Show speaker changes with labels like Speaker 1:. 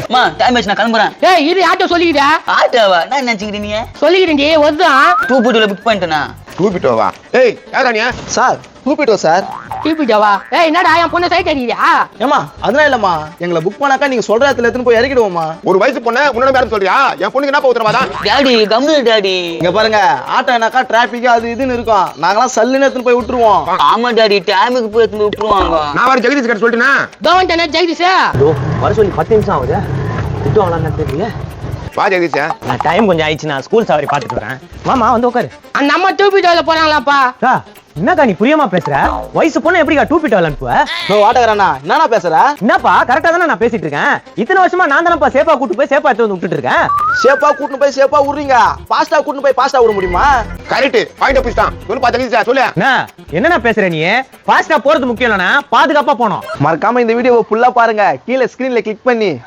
Speaker 1: அம்மா டைம் ஆச்சு நான் கிளம்புறேன்.
Speaker 2: ஏய் இது ஆட்டோ சொல்லிக்கிட்டா?
Speaker 1: ஆட்டோவா? நான் நினைச்சுக்கிறேன் நீ
Speaker 2: சொல்லிக்கிறேன்டி வருதான்.
Speaker 1: 2.2 புக் பண்ணிட்டேனா?
Speaker 3: டூபிட்டோவா? ஏய் யாரா நீ?
Speaker 4: சார் டூபிட்டோ சார்.
Speaker 2: டிபிட்டாவா? ஏய் என்னடா என் பொண்ணை சைட் அடிக்கிறியா?
Speaker 4: ஏமா அதெல்லாம் இல்லம்மா, எங்களை புக் பண்ணாக்கா நீங்க சொல்ற இடத்துல எடுத்துன்னு போய் இறக்கிடுவோமா.
Speaker 3: ஒரு வயசு பொண்ணு உன்னோட மேடம் சொல்றியா? என் பொண்ணுக்கு என்ன உத்தரவாதான்?
Speaker 1: டாடி கம்னு டாடி.
Speaker 4: இங்க பாருங்க, ஆட்டோனாக்கா டிராபிக் அது இதுன்னு இருக்கும், நாங்களாம் சல்லுன்னு எடுத்துன்னு போய் விட்டுருவோம்.
Speaker 1: ஆமா டாடி டைமுக்கு போய் எடுத்து விட்டுருவாங்க.
Speaker 3: நான் வர ஜெகதீஷ் கிட்ட சொல்லிட்டேனா?
Speaker 2: கவர்மெண்ட் ஜெகதீஷா
Speaker 5: வர சொல்லி 10 நிமிஷம் ஆகுது. திட்டுவாங்களான்னு தெரியல.
Speaker 3: வா ஜெகதீஷ்.
Speaker 5: டைம் கொஞ்சம் ஆயிடுச்சு, நான் ஸ்கூல் சவாரி பார்த்துட்டு வரேன். மாமா வந்து உட்காரு.
Speaker 2: அந்த அம்மா டிபிட்டாவில போறாங்களாப்பா?
Speaker 5: என்னக்கா நீ புரியாம பேசுற? வயசு பொண்ணு எப்படிக்கா டூபிட்டோ அனுப்புவ?
Speaker 4: நோ ஆட்டோக்காரண்ணா என்னண்ணா பேசுற?
Speaker 5: என்னப்பா கரெக்டா தானே நான் பேசிட்டு இருக்கேன். இத்தனை வருஷமா நான் தானப்பா சேஃபா கூட்டு போய் சேஃபா எடுத்து வந்து விட்டுட்டு இருக்கேன்.
Speaker 4: சேஃபா கூட்டின்னு போய் சேஃபா விடுறீங்க, பாஸ்டா கூட்டின்னு போய் பாஸ்டா விட முடியுமா?
Speaker 3: கரெக்ட் பாயிண்ட் புடிச்சான். சொல்லுப்பா ஜெகதீஷ் சொல்லு.
Speaker 5: என்னண்ணா பேசுற நீ? ஃபாஸ்டா போறது முக்கியம் இல்லனா பாதுகாப்பா போனோம்.
Speaker 4: மறக்காம இந்த வீடியோவை ஃபுல்லா பாருங்க, கீழே ஸ்கிரீன்ல கிளிக் பண்ணி